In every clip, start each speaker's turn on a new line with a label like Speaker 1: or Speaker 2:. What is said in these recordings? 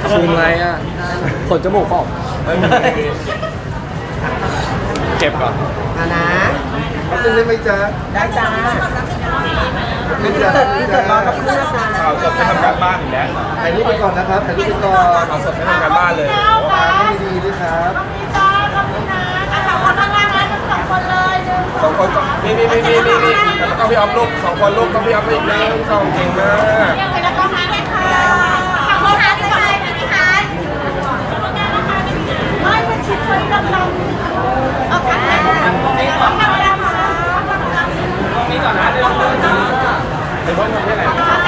Speaker 1: ซูมอะไรอ่ะขนจมูกออกเก็บก่อน
Speaker 2: นะ
Speaker 3: ตึ้งได้ไหมจ๊ะ
Speaker 2: ได้จ้า
Speaker 3: ไม่จ๊ะ
Speaker 2: เกิดมาต้องเลือกจ้า
Speaker 4: ข่าวสดไม่ทำการบ้านอีกแล้ว
Speaker 3: ถ่ายรูปไปก่อนนะครับถ่ายรูปไปก่อน
Speaker 4: ข่าวสดไม่ทำการบ้านเลย
Speaker 3: วางให้ดีด้วยครับ
Speaker 4: สองคนก็นี่แล้วก็พี่ออฟลูกสองคนลูกต้องพี่ออฟอีกหนึ่งสองเก่งมาก นี่ก่อนนะเดี๋ยวเพิ่งทำได้ไหน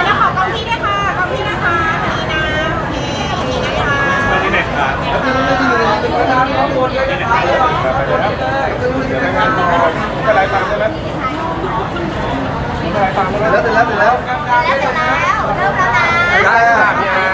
Speaker 4: ที่ไหนครับ
Speaker 3: แล้วพี่ไม่ดีเลยเป็นประธานข้อมูลด้วยนะครับ
Speaker 4: เดี๋ยวรายงานต่อจะรายตามใช่ไหมจะรายตามใช่ไหม
Speaker 3: แล้วเสร็จแล้วเสร็จแล้ว
Speaker 4: ได้ค่ะพี่อา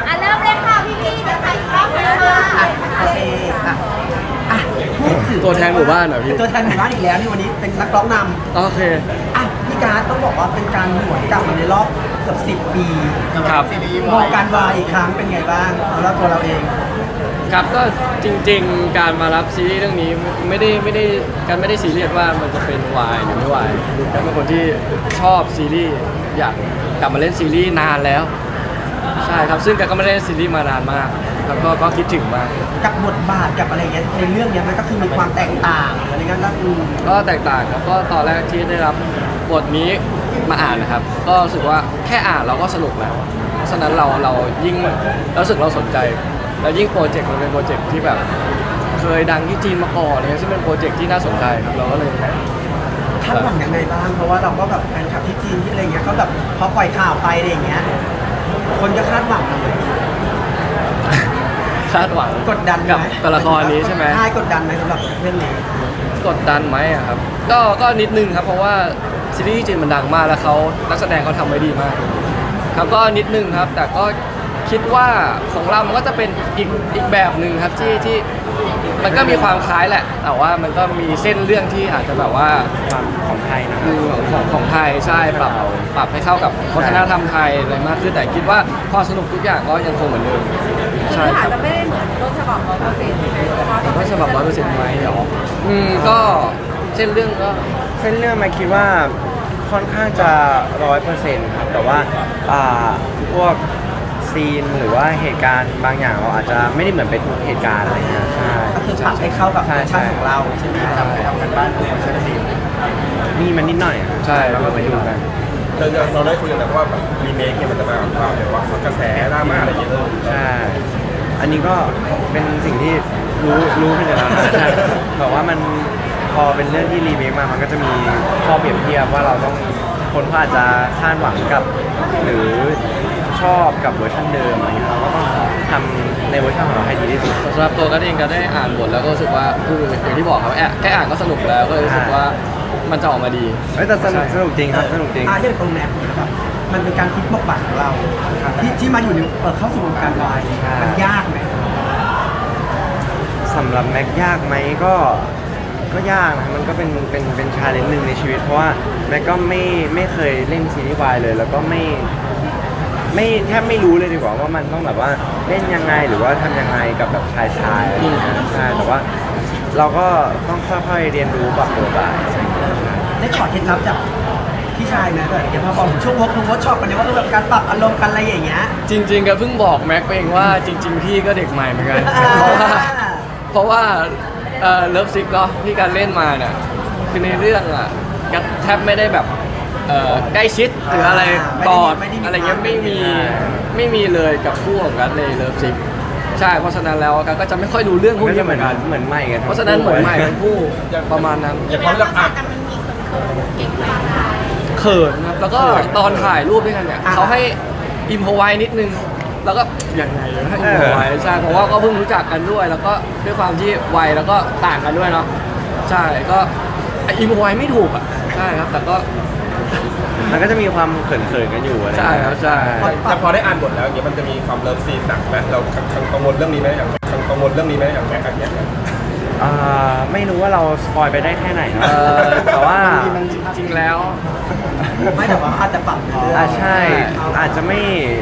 Speaker 2: โอเคอ่ะพูดถึง
Speaker 1: ตัวแทนหมู่บ้านเหรอพี่
Speaker 2: ตัวแทนหมู่บ้านอีกแล้วนี่วันนี้เป็นนักร้องน
Speaker 1: โอเค
Speaker 2: ำอ่ะพี่การ์ดต้องบอกว่าเป็นการหวนกลับมาในรอบเกือบ10 ปี
Speaker 1: ครับ
Speaker 2: มองการวายอีกครั้งเป็นไงบ้างสำหรับตัวเราเอง
Speaker 1: ครับก็จริงๆการมารับซีรีส์เรื่องนี้ไม่ได้การไม่ได้ซีเรียสว่ามันจะเป็นวายหรือไม่วายการเป็นคนที่ชอบซีรีส์อยากกลับมาเล่นซีรีส์นานแล้วใช่ครับซึ่งการก็ไม่ได้เล่นซีรีส์มานานมากแล้วก็คิดถึงมาก
Speaker 2: กับบทบาทกับอะไรเงี้ยในเรื่องเนี้ยมันก็คือมีความแตกต่างอะไรเงี้ยแล้ว
Speaker 1: ก็แตกต่างครับก็ตอนแรกที่ได้รับบทนี้มาอ่านนะครับก็รู้สึกว่าแค่อ่านเราก็สนุกแล้วเพราะฉะนั้นเรายิ่งรู้สึกเราสนใจแล้วยิ่งโปรเจกต์มันเป็นโปรเจกต์ที่แบบเคยดังที่จีนมาก่อนเนี่ยซึ่งเป็นโปรเจกต์ที่น่าสนใจครับเราก็เลย
Speaker 2: คาดหวังยังไงบ้างเพราะว่าเราก็แบบแฟนคลับที่จีนที่อะไรเงี้ยก็แบบพอปล่อยข่าวไปอะไรอย่างเงี้ยคนก็คาดหวังเลย
Speaker 1: คาดหวัง
Speaker 2: กดดันไหม
Speaker 1: กับตัวละครนี้ใช่ไหม
Speaker 2: ใช่กดดันไหมสำหรับเรื่องนี้
Speaker 1: กดดันไหมอะครับก็นิดนึงครับเพราะว่าซีรีส์จีนมันดังมากแล้วเขานักแสดงเขาทำไว้ดีมากครับก็นิดนึงครับแต่ก็คิดว่าของเรามันก็จะเป็นอีกแบบหนึ่งครับที่มันก็มีความคล้ายแหละ แต่ว่ามันก็มีเส้นเรื่องที่อาจจะแบบว่า
Speaker 5: ความของไทยนะ
Speaker 1: ของไทยใช่ปรับให้เข้ากับวัฒนธรรมไทยอะไรมากขึ้นแต่คิดว่าความสนุกทุกอย่างก็ยังคงเหมือนเดิมใช่ครับ
Speaker 6: จะไม่ได้เหมือนต้นฉบับ100%ใช่ไหมแต่ว่า
Speaker 1: ก็ฉบับ100%ไหมเหรอก็เช่นเรื่องก็
Speaker 5: เส้นเรื่องมาคิดว่าค่อนข้างจะ100%ครับแต่ว่าพวกซีนหรือว่าเหตุการณ์บางอย่างเราอาจจะไม่ได้เหมือนเป็นทุกเหตุการณ์อะไรเงี้ยใช่
Speaker 2: ก็คือปรับให้เข้ากับเวอร์ชันของเราใช่ไหมทำกันบ้านของเวอร์ชันจีน
Speaker 5: มีมันนิดหน่อยครับ
Speaker 1: ใช่
Speaker 5: เราก็ไปดูกัน
Speaker 4: เราได้คุยกันแล้วว่าแบบรีเมคเนี่ยมันจะมาแบบความแบบว่ากระแสดราม่าอะไรอย่างเงี้ย
Speaker 5: ใช่อันนี้ก็เป็นสิ่งที่รู้ขึ้นอยู่แล้วนะใช่แต่ว่ามันพอเป็นเรื่องที่รีเมคมามันก็จะมีข้อเปรียบเทียบว่าเราต้องคนก็อาจจะคาดหวังกับหรือชอบกับเวอร์ชันเดิมอะไรเงี้ยเราก็ต้องทำในเวอร์ชันของเราให้ดีที่สุด
Speaker 1: สำหรับตัวกันเองก็ได้อ่านบทแล้วก็รู้สึกว่าคืออย่างที่บอกครับแค่อ่านก็สนุกแล้วก็เลยรู้สึกว่ามันจะออกมาดี
Speaker 5: เฮ้ยแต่สนุกจริงครับสนุกจริง
Speaker 2: อย่างตรงแม็กเนี่ยครับมันเป็นการพลิกบทบาทของเราที่มาอยู่ในเข้าสู่วงการวายมันยากไหม
Speaker 5: สำหรับแม็กยากไหมก็ยากนะมันก็เป็นชาเลนจ์หนึ่งในชีวิตเพราะว่าแม็กก็ไม่เคยเล่นซีรีส์วายเลยแล้วก็ไม่แทบไม่รู้เลยดีกว่าว่ามันต้องแบบว่าเล่นยังไงหรือว่าทำยังไงกับแบบชายอะไรอย่างเงี้ยใช่แต่ว่าเราก็ต้องค่อยๆเรียนรู้ปรับตัวไป
Speaker 2: ได้ขอเคล็ดลับจากพี่ชายไหมแบบเดี๋ยวพอบอกช่วงเวิร์กช็อปกันเนี่ยว่าแบบการปรับอารมณ์กันอะไรอย่างเงี้ย
Speaker 1: จริงๆก็เพิ่งบอกแม็กไปเองว่าจริง ๆ พี่ก็เด็กใหม่เหมือนกัน เพราะว่าเลิฟซิกเนาะที่การเล่นมาเนี่ยคือในเรื่องอ่ะก็แทบไม่ได้แบบใกล้ชิดหรืออะไรกอดอะไรเงี้ยไม่มีเลยกับคู่ของกันในเลิฟซิกใช่เพราะฉะนั้นแล้วกันก็จะไม่ค่อยดูเรื่องพวก
Speaker 5: ก็
Speaker 1: นี้
Speaker 5: จะ
Speaker 1: เหมือนกัน
Speaker 5: เหมือนใหม่กัน
Speaker 1: เพราะฉะนั้นเหมือนใหม่ทั้งคู่ประมาณนั้น
Speaker 4: อย่างความรักอ่ะ
Speaker 1: เขินครับแล้วก็ตอนถ่ายรูปด้วยกันเนี่ยเขาให้อิมพอไว้นิดนึงแล้วก็ยังไงให้อิมพอไว้ใช่เพราะว่าก็เพิ่งรู้จักกันด้วย แล้วก็ด้วยความที่วัยแล้วก็ต่างกันด้วยเนาะใช่ก็อิมพอไว้ไม่ถูกอ่ะใช่ครับแต่ก็
Speaker 5: มันก็จะมีความเขินๆกันอยู่อะไร
Speaker 1: ใช่ครับใช่
Speaker 4: แต่พอได้อ่านบทแล้วอย่างเงี้ยมันจะมีความเลิฟซีนหนักไหมเรากังวลเรื่องนี้ไหมอย่างกังวลเรื่องนี้ไหมอย่างแม็กซ์อย่างเงี้ย
Speaker 5: ไม่รู้ว่าเราสปอยไปได้แค่ไหนเนอะแต่ว่า
Speaker 1: มันจริงๆแล้ว
Speaker 2: ไม่แต่ว่าอาจจะปรับ
Speaker 5: ใช่อาจจะไม่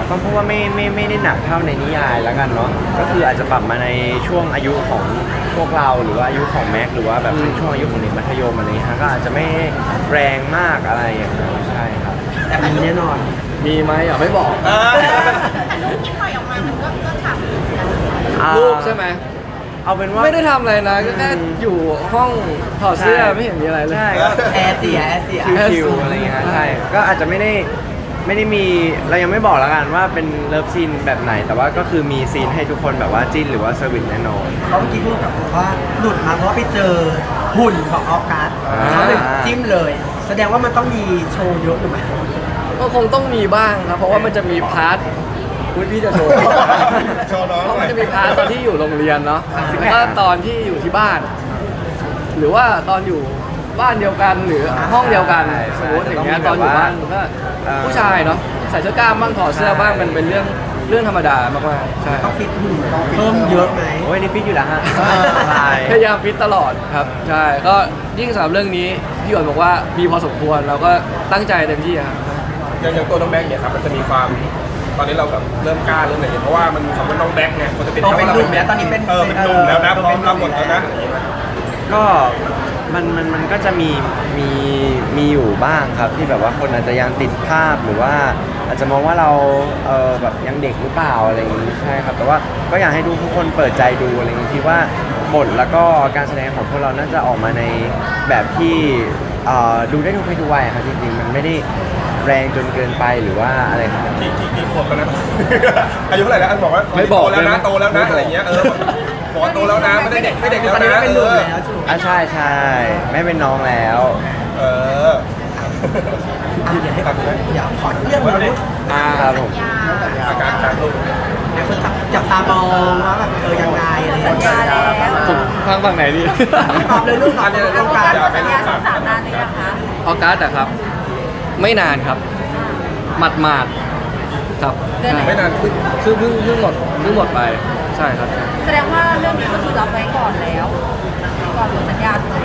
Speaker 5: ก็เพราะว่าไม่ได้หนักเท่าในนิยายแล้วกันเนาะก็คืออาจจะปรับมาในช่วงอายุของพวกเราหรือว่าอายุของแม็กหรือว่าแบบเป็นช่วงอายุของเด็กมัธยมอะไรอย่างเงี้ยฮะก็อาจจะไม่แรงมากอะไรอย่างเงี้ยใช่ครับ
Speaker 2: แต่มันแน่นอน
Speaker 1: มีไหมอ่ะไม่บอก
Speaker 6: แต่รูปที่ปล่อยออกมามันก็ฉ่ำ
Speaker 1: รูปใช่ไหม
Speaker 5: เอาเป็นว่า
Speaker 1: ไม่ได้ทำอะไรนะก็แค่อยู่ห้องถอดเสื้อไม่เห็นมีอะไรเลย
Speaker 5: ใช่ก็
Speaker 2: แอร์เสีย
Speaker 5: ชิวๆอะไรอย่างเงี้ยใช่ก็อาจจะไม่ได้มีเรายังไม่บอกแล้วกันว่าเป็นเลิฟซีนแบบไหน แต่ว่าก็คือมีซีนให้ทุกคนแบบว่าจิ้นหรือว่าเซอร์วิสแน่นอน
Speaker 2: เพราะเมื่อกี้พูดกับผมว่าหลุดมาเพราะว่าไปเจอหุ่นของออฟการ์ดเขาเลยจิ้มเลย แสดงว่ามันต้องมีโชว์เยอะหรือไม่
Speaker 1: ก็คงต้องมีบ้างครับเพราะว่ามันจะมีพาร์ทคุณพี่จะโชว์
Speaker 4: โชว์น้อง
Speaker 1: เพราะ
Speaker 4: หน่
Speaker 1: มั
Speaker 4: อน ย
Speaker 1: จะมีพาร์ทตอนที่อยู่โรงเรียนเนาะแล้วก็ตอนที่อยู่ที่บ้าน หรือว่าตอนอยู่บ้านเดียวกันหรือห้องเดียวกันสมมติอย่างเงี้ยตอนอยู่บ้านก็ผู้ชายเนาะใส่เสื้อกล้ามบ้างถอดเสื้อบ้างมันเป็นเรื่องธรรมดามากๆใช่
Speaker 2: ต้องฟิตหุ่นเพิ่มเยอะไหม
Speaker 5: โอ้ยนี่ฟิตอยู่แล้วฮะใช่
Speaker 1: พยายามฟิตตลอดครับใช่ก็ยิ่งสำหรับเรื่องนี้พี่หยวนบอกว่ามีพอสมควรเราก็ตั้งใจเต็มที่ครับ
Speaker 4: อย่างตัวน้องแบ็คเนี่ยครับมันจะมีความตอนนี้เราแบบเริ่มกล้าเริ่มอะไรอย่างเงี้ยเพราะว่ามันคำว่าน้องแบ็คเนี่ยมันจะเป็น
Speaker 2: เป็นหนุ่มแล้วตอนนี้เป็น
Speaker 4: เป็นหนุ่มแล้วนะพร้อมรับบทแล้วนะ
Speaker 5: ก็มันก็จะมีอยู่บ้างครับที่แบบว่าคนอาจจะยังติดภาพหรือว่าอาจจะมองว่าเราแบบยังเด็กหรือเปล่าอะไรอย่างนี้ใช่ครับแต่ว่าก็อยากให้ทุกคนเปิดใจดูอะไรอย่างนี้คิดว่าบทแล้วก็การแสดงของพวกเราน่าจะออกมาในแบบที่ดูได้ทุกเพศทุกวัยครับจริงๆมันไม่ได้แรงจนเกินไปหรือว่าอะไรครับ
Speaker 4: กี่ขวบแล้วนะ อายุเท่าไหร่แล้วอันบอกว่า
Speaker 1: ไม่บอก
Speaker 4: โตแล้วนะ
Speaker 1: เลยนะ
Speaker 4: โตแล้วนะอะไรอย่างเงี้ยบอกว่าโตแล้วนะไม่ได้เด็กไม่เด็กแล้ว
Speaker 2: ตอนนี้
Speaker 4: นะ
Speaker 2: เป็นหนุ่มแล้วจู
Speaker 5: ใช่ไม่เป็นน้องแล้ว
Speaker 4: เออ
Speaker 2: เดี๋ยวให้เดี๋ยวขอเรื่องมาพูด
Speaker 5: ครับผม
Speaker 4: อาการลูก
Speaker 2: เดี๋ยวคนจับตามองว่าแบบยังไงอะไรอย่าง
Speaker 6: สัญ
Speaker 2: เงี้
Speaker 6: ญาย แล้ว
Speaker 1: ผมฟังฝั่งไหนดี
Speaker 2: ตอบเลยลูกตอบเลย
Speaker 6: เอา
Speaker 2: ต้อง
Speaker 6: กา
Speaker 2: การ
Speaker 6: รสัญญาสามนานหรือยังคะ
Speaker 1: ออกัสอะครับ ไม่นานครับหมาดๆครับ
Speaker 6: เดือนไหน
Speaker 4: ไม่นานขึ้น
Speaker 1: คือเพิ่งหมดไปใช่ครับ
Speaker 6: แสดงว่าเรื่องนี้ก็คือรับไว้ก่อนแล้ว ก่อนหมดสัญญาถูกไหม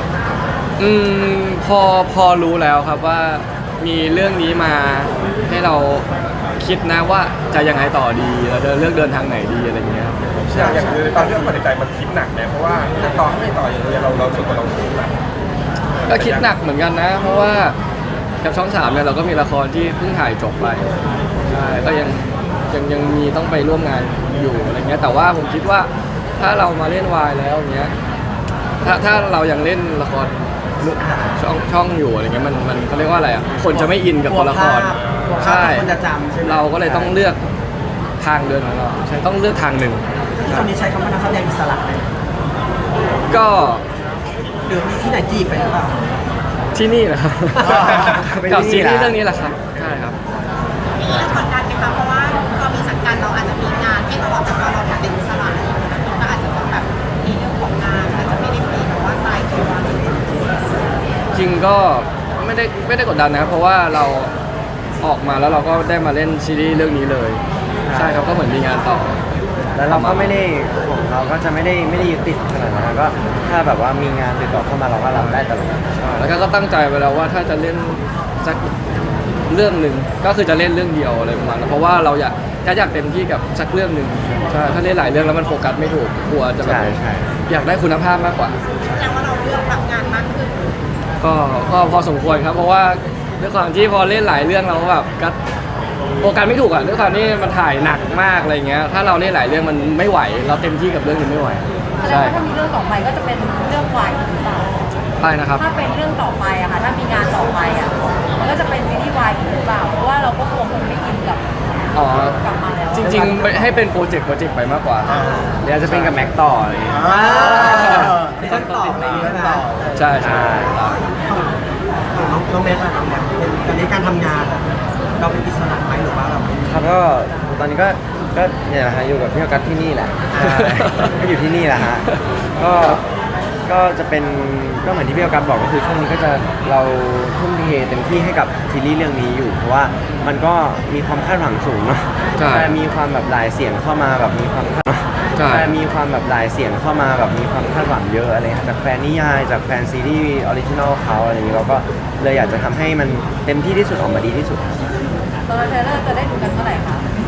Speaker 1: พอรู้แล้วครับว่ามีเรื่องนี้มาให้เราคิดนะว่าจะยังไงต่อดีเราจะเลือกเดินทางไหนดีอะไรเงี้ยครับ
Speaker 4: อย่างคือตอนที่เราตัดสินใจมันคิดหนักนะเพราะว่าจะต่อไม่ต่ออย่างเงี้ยเราสุดกับเราคิดหนัก
Speaker 1: ก็คิดหนักเหมือนกันนะ เพราะว่ากับช่อง3เนี่ยเราก็มีละครที่เพิ่งถ่ายจบไปใช่ก็ยังมีต้องไปร่วมงานอยู่อะไรเงี้ยแต่ว่าผมคิดว่าถ้าเรามาเล่นวายแล้วเงี้ยถ้าเรายังเล่นละครช่องอยู่อะไรเงี้ยมันเขาเรียกว่าอะไรอ่ะคนจะไม่อินกับตัวละครใช่
Speaker 2: คนจะจำใช่ไหม
Speaker 1: เราก็เลยต้องเลือกทางเดินของเราใช่ต้องเลือกทางหนึ่ง
Speaker 2: ที่คนนี้ใช้คำว่านักแสดงอิสระเลย
Speaker 1: ก็
Speaker 2: หรือมีที่ไหนจีบไปหรือเปล่า
Speaker 1: ที่นี่แหละครับ
Speaker 5: เป็น
Speaker 1: กับ
Speaker 5: ที่
Speaker 1: ซี
Speaker 5: นี่
Speaker 1: รีส์
Speaker 5: แหละ
Speaker 1: เรื่องนี้แหละครับใช่ครับ
Speaker 6: มีอะไรกดดันไหมคะเพราะว่าพอมีสังกัดเราอาจจะมีงานให้ตลอดแต่พอเราเป็นอิสระก็อาจจะต้องแบบมีเรื่องของงานอาจจะไม่ได้มีแบบว่าตายตัว
Speaker 1: จริงก็ไม่ได้กดดันนะครับเพราะว่าเราออกมาแล้วเราก็ได้มาเล่นซีรีส์เรื่องนี้เลยใช่ครับก็เหมือนมีงานต่อ
Speaker 5: แล้วเราก็ไม่ได้ของเราก็จะไม่ได้ยึดติดขนาดนั้นก็ถ้าแบบว่ามีงานติดต่อเข้ามาเราก็รับได้ตลอด
Speaker 1: แล้วก็ตั้งใจไปแล้วว่าถ้าจะเล่นสักเรื่องหนึ่งก็คือจะเล่นเรื่องเดียวอะไรประมาณนั้นเพราะว่าเราอยากเต็มที่กับสักเรื่องหนึ่งใช่ถ้าเล่นหลายเรื่องแล้วมันโฟกัสไม่ถูกกลัวจะแบบ
Speaker 5: ใช่
Speaker 1: อยากได้คุณภาพมากกว่า
Speaker 6: แสดงว่าเราเลือกรับงานมากขึ้น
Speaker 1: ก็พอสมควรครับเพราะว่าด้วยความที่พอเล่นหลายเรื่องเราก็แบบก็โฟกัสไม่ถูกอ่ะด้วยความที่มันถ่ายหนักมากอะไรเงี้ยถ้าเราเล่นหลายเรื่องมันไม่ไหวเราเต็มที่กับเรื่องนี้ไม่ไหว
Speaker 6: แสดง
Speaker 1: ใช่
Speaker 6: ว่าถ้ามีเรื่องต่อไปก็จะเป็นเรื่องวายหรือเปล่า
Speaker 1: ใช่นะครับ
Speaker 6: ถ้าเป็นเรื่องต่อไปอะค่ะ ถ้ามีงานต่อไปอะมันก็จะเป็นซีรีส์วายอีกหรือเปล่า เพราะว่าเราก็คงไม่อินกับ
Speaker 1: อ๋อก
Speaker 6: ลับมาแล้ว
Speaker 1: จริงๆให้เป็นโปรเจกต์ไปมากกว่า
Speaker 5: เดี๋ยวจะเป็นกับแม็กต่ออะไรอย่างเงี้ย
Speaker 2: ที่ต้นต่อไปใช่ไหม
Speaker 1: ใช่ใช่
Speaker 2: ของน้องแม็กซ์อะน้องแม็กซ์ตอนนี้การทำงานอะเราเป็นอิสระไหมหรือว่าเรา
Speaker 5: ครับก็ตอนนี้ก็เนี่ยแหละฮะอยู่กับพี่ออกัสที่นี่แหละใช่ก็อยู่ที่นี่แหละฮะก็จะเป็นก็เหมือนที่พี่ออกัสบอกก็คือช่วงนี้ก็จะเราทุ่มเทเต็มที่ให้กับซีรีส์เรื่องนี้อยู่ เพราะว่ามันก็มีความคาดหวังสูงเนาะ
Speaker 1: ใช่
Speaker 5: มีความแบบหลายเสียงเข้ามาแบบมีความคาด
Speaker 1: ใช่
Speaker 5: มีความแบบหลายเสียงเข้ามาแบบมีความคาดหวังเยอะอะไรครับจากแฟนนิยายจากแฟนซีรีส์ออริจินอลเขาอะไรอย่างนี้เราก็เลยอยากจะทำให้มันเต็มที่ที่สุดออกมาดีที่สุด
Speaker 6: ตอนเทรลเลอร์จะได้ดูกันเมื่อไหร่คะ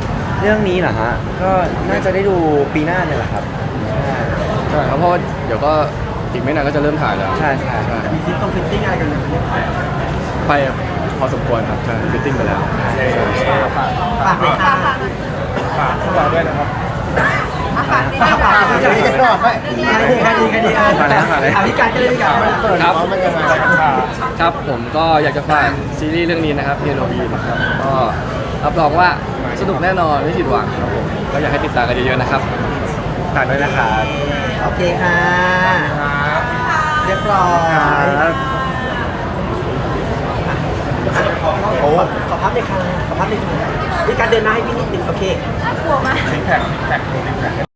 Speaker 5: รื่องนี้เหรอฮะก็น่าจะได้ดูปีหน้าเนี่ยแหละครับ
Speaker 1: ใช่ครับเพราะว่าเดี๋ยวก็อีกไม่นานก็จะเริ่มถ่ายแล้ว
Speaker 5: ใช่ใช่ใช่
Speaker 2: มีซิทฟิตติ้งอะไรกันไหม
Speaker 1: ไปพอสมควรครับใช่ฟิตติ้งไปแล้ว
Speaker 2: ฝากเลยค่ะ
Speaker 4: ฝากพวกเราด้วยนะครับ
Speaker 2: ฝากดีพี่การก็เลยพี่การ
Speaker 1: ครับ
Speaker 3: มันยังไง
Speaker 1: ครับผมก็อยากจะฝากซีรีส์เรื่องนี้นะครับเพียโนบีนะครับก็รับรองว่าสนุกแน่นอนไม่ผิดหวังครับผมก็อยากให้ติดตามกันเยอะๆนะครับ
Speaker 5: ฝากด้วยนะครับ
Speaker 2: โอเคค่ะ
Speaker 4: ครับ
Speaker 2: เรียบร้อย
Speaker 5: ครับ
Speaker 2: ขอพับเลยค่ะขอพับเลยค่ะพี่การเดินหน้าให้พี่นิดนึงโอเค
Speaker 4: ซิกแพค